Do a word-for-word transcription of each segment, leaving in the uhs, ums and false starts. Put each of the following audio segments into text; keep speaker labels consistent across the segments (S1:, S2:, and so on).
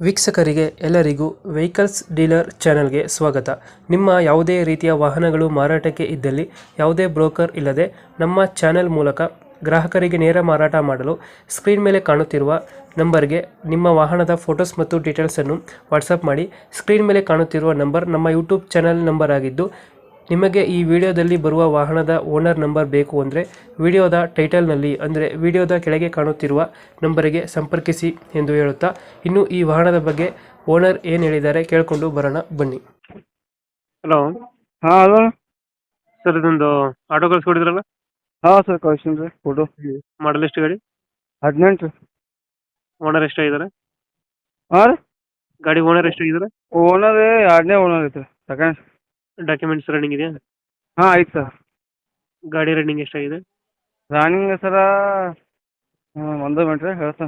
S1: ವೀಕ್ಷಕರಿಗೆ ಎಲ್ಲರಿಗೂ vehicles dealer ಚಾನೆಲ್ಗೆ ಸ್ವಾಗತ. ನಿಮ್ಮ ಯಾವುದೇ ರೀತಿಯ ವಾಹನಗಳು ಮಾರಾಟಕ್ಕೆ ಇದ್ದಲ್ಲಿ ಯಾವುದೇ ಬ್ರೋಕರ್ ಇಲ್ಲದೆ ನಮ್ಮ ಚಾನೆಲ್ ಮೂಲಕ ಗ್ರಾಹಕರಿಗೆ ನೇರ ಮಾರಾಟ ಮಾಡಲು ಸ್ಕ್ರೀನ್ ಮೇಲೆ ಕಾಣುತ್ತಿರುವ ನಂಬರ್ಗೆ ನಿಮ್ಮ ವಾಹನದ ಫೋಟೋಸ್ ಮತ್ತು ಡೀಟೇಲ್ಸನ್ನು ವಾಟ್ಸಪ್ ಮಾಡಿ. ಸ್ಕ್ರೀನ್ ಮೇಲೆ ಕಾಣುತ್ತಿರುವ ನಂಬರ್ ನಮ್ಮ ಯೂಟ್ಯೂಬ್ ಚಾನೆಲ್ ನಂಬರ್ ಆಗಿದ್ದು, ನಿಮಗೆ ಈ ವಿಡಿಯೋದಲ್ಲಿ ಬರುವ ವಾಹನದ ಓನರ್ ನಂಬರ್ ಬೇಕು ಅಂದರೆ ವಿಡಿಯೋದ ಟೈಟಲ್ನಲ್ಲಿ ಅಂದರೆ ವಿಡಿಯೋದ ಕೆಳಗೆ ಕಾಣುತ್ತಿರುವ ನಂಬರಿಗೆ ಸಂಪರ್ಕಿಸಿ ಎಂದು ಹೇಳುತ್ತಾ, ಇನ್ನು ಈ ವಾಹನದ ಬಗ್ಗೆ ಓನರ್ ಏನು ಹೇಳಿದ್ದಾರೆ ಕೇಳಿಕೊಂಡು ಬರೋಣ ಬನ್ನಿ. ಹಲೋ
S2: ಹಾಂ ಹಲೋ
S1: ಸರ್, ಇದೊಂದು ಆಟೋ ಕಳಿಸ್ಕೊಡಿದ್ರಲ್ಲ,
S2: ಹಾಂ ಸರ್ ಕಳ್ಸೀನಿ ರೀ ಫೋಟೋ.
S1: ಮಾಡಲ್ ಎಷ್ಟು ಗಾಡಿ?
S2: ಹದಿನೆಂಟು ರೀ.
S1: ಓನರ್ ಎಷ್ಟಾಗಿದ್ದಾರೆ?
S2: ಹಾಂ ರೀ,
S1: ಗಾಡಿ ಓನರ್ ಎಷ್ಟಾಗಿದ್ದಾರೆ?
S2: ಓನರ್ ಎರಡನೇ ಓನರ್ ಐತೆ ಸೆಕೆಂಡ್.
S1: ಡಾಕ್ಯುಮೆಂಟ್ಸ್ ರನ್ನಿಂಗ್ ಇದೆಯಾ?
S2: ಹಾಂ ಐತೆ ಸರ್.
S1: ಗಾಡಿ ರನ್ನಿಂಗ್ ಎಷ್ಟಾಗಿದೆ?
S2: ರಾನಿಂಗ್ ಸರ ಒಂದು ಮಿನಿಟ್ ರೀ ಹೇಳ್ತಾನೆ.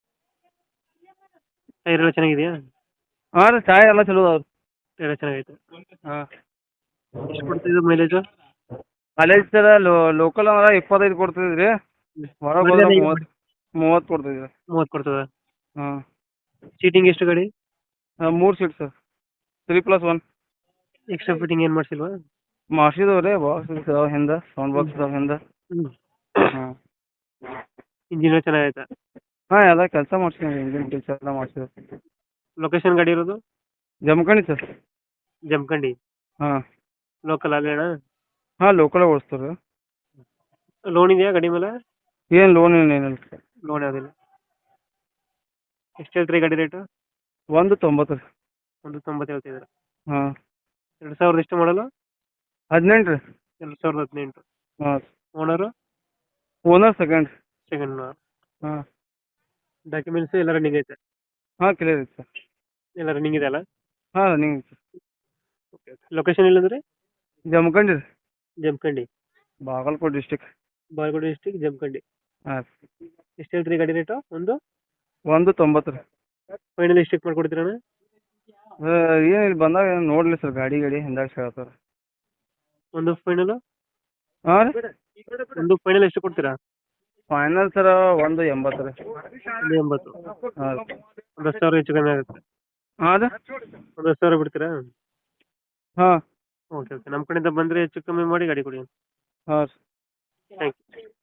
S1: ಟೈರ್ ಎಲ್ಲ ಚೆನ್ನಾಗಿದೆಯಾ?
S2: ಹಾಂ ರೀ, ಚಾಯ್ ಎಲ್ಲ ಚಲೋ ಅದಾವೆ.
S1: ಎಲ್ಲ ಚೆನ್ನಾಗೈತೆ.
S2: ಹಾಂ,
S1: ಎಷ್ಟು ಕೊಡ್ತಿದ್ದು ಮೈಲೇಜು?
S2: ಕಾಲೇಜ್ ಸರ ಲೋ ಲೋಕಲ್ ಅಂದ್ರೆ ಇಪ್ಪತ್ತೈದು ಕೊಡ್ತಿದ್ವಿ ರೀ, ಹೊರಗೆ ಹೋದ್ರೆ ಮೂವತ್ತು ಮೂವತ್ತು ಕೊಡ್ತಿದ್ವಿ.
S1: ಮೂವತ್ತು ಕೊಡ್ತದೆ.
S2: ಹಾಂ,
S1: ಸೀಟಿಂಗ್ ಎಷ್ಟು ಗಾಡಿ?
S2: ಮೂರು seat sir, three plus one.
S1: Extra fitting ಏನು ಮಾಡಿಸಿಲ್ವಾ?
S2: ಮಾಡಿಸಿದವು ರೀ, ಬಾಕ್ಸ್ ಇದಾವೆ ಹಿಂದೆ, ಸೌಂಡ್ ಬಾಕ್ಸ್ ಇದಾವೆ ಹಿಂದೆ.
S1: ಹ್ಞೂ.
S2: ಹಾಂ
S1: ಇಂಜಿನ್ ಚೆನ್ನಾಗೈತೆ.
S2: ಹಾಂ, ಎಲ್ಲ ಕೆಲಸ ಮಾಡ್ಸಿದ್ದೀನಿ, ಇಂಜಿನ್ ಕೆಲಸ ಎಲ್ಲ ಮಾಡ್ಸಿದ್ವಿ.
S1: ಲೊಕೇಶನ್ ಗಾಡಿ ಇರೋದು?
S2: ಜಮಖಂಡಿ ಸರ್.
S1: ಜಮಖಂಡಿ.
S2: ಹಾಂ
S1: ಲೋಕಲ್ ಅಲ್ಲೇನಾ?
S2: ಹಾಂ, ಲೋಕಲ್ ಓಡಿಸ್ತಾರೆ.
S1: ಲೋನ್ ಇದೆಯಾ ಗಾಡಿ ಮೇಲೆ?
S2: ಏನು ಲೋನ್ ಏನು ಏನಿಲ್ಲ ಸರ್.
S1: ಲೋನ್ ಯಾವುದಿಲ್ಲ. ಎಷ್ಟು ಹೇಳ್ತೀರಿ ಗಾಡಿ ರೇಟು?
S2: ಒಂದು ತೊಂಬತ್ತು ರೀ.
S1: ಒಂದು ತೊಂಬತ್ತು ಹೇಳ್ತಿದ್ದಾರೆ.
S2: ಹಾಂ,
S1: ಎರಡು ಸಾವಿರದ ಎಷ್ಟು ಮಾಡಲು?
S2: ಹದಿನೆಂಟು ರೀ.
S1: ಎರಡು ಸಾವಿರದ ಹದಿನೆಂಟು.
S2: ಹಾಂ,
S1: owner?
S2: Owner second.
S1: Second owner.
S2: ಹಾಂ
S1: ಡಾಕ್ಯುಮೆಂಟ್ಸ್ ಎಲ್ಲ ರನ್ನಿಂಗ್ ಐತೆ?
S2: ಹಾಂ, ಕ್ಲಿಯರ್ ಐತೆ ಸರ್.
S1: ಎಲ್ಲ ರನ್ನಿಂಗ್ ಇದೆ ಅಲ್ಲ?
S2: ಹಾಂ, ರನ್ನಿಂಗ್ ಐತೆ.
S1: Okay okay. ಲೊಕೇಶನ್ ಇಲ್ಲಂದ್ರೆ?
S2: ಜಮಖಂಡಿ ರೀ,
S1: ಜಮಖಂಡಿ.
S2: ಬಾಗಲಕೋಟೆ ಡಿಸ್ಟಿಕ್.
S1: ಬಾಗಲಕೋಟೆ ಡಿಸ್ಟಿಕ್, ಜಮಖಂಡಿ.
S2: ಹಾಂ,
S1: ಎಷ್ಟು ಹೇಳ್ತೀರಿ ಗಾಡಿ ರೇಟು? ಒಂದು
S2: ಒಂದು ತೊಂಬತ್ತು ರೀ.
S1: ಫೈನಲ್ ಎಷ್ಟಕ್ಕೆ ಮಾಡ್ಕೊಡ್ತೀರಣ್ಣ?
S2: ಏನು ಇಲ್ಲಿ ಬಂದಾಗ ಏನು ನೋಡಲಿ ಸರ್, ಗಾಡಿ ಗಾಡಿ ಹಿಂದಾಗ ಹೇಳ್ತಾರೆ.
S1: ಒಂದು ಫೈನಲ್?
S2: ಹಾಂ ರೀ,
S1: ಒಂದು ಫೈನಲ್ ಎಷ್ಟು ಕೊಡ್ತೀರಾ?
S2: ಫೈನಲ್ ಸರ ಒಂದು ಎಂಬತ್ತು ರೀ.
S1: ಒಂದು ಎಂಬತ್ತು.
S2: ಹಾಂ,
S1: ಒಂದು ಹತ್ತು ಸಾವಿರ ಹೆಚ್ಚು ಕಮ್ಮಿ ಆಗುತ್ತೆ.
S2: ಹಾಂ ರೀ.
S1: ಒಂದು ಹತ್ತು ಸಾವಿರ ಬಿಡ್ತೀರಾ?
S2: ಹಾಂ
S1: ಓಕೆ ಓಕೆ. ನಮ್ಮ ಕಡೆಯಿಂದ ಬಂದರೆ ಹೆಚ್ಚು ಕಮ್ಮಿ ಮಾಡಿ ಗಾಡಿ ಕೊಡಿ.
S2: ಹಾಂ ರೀ.
S1: Thank you.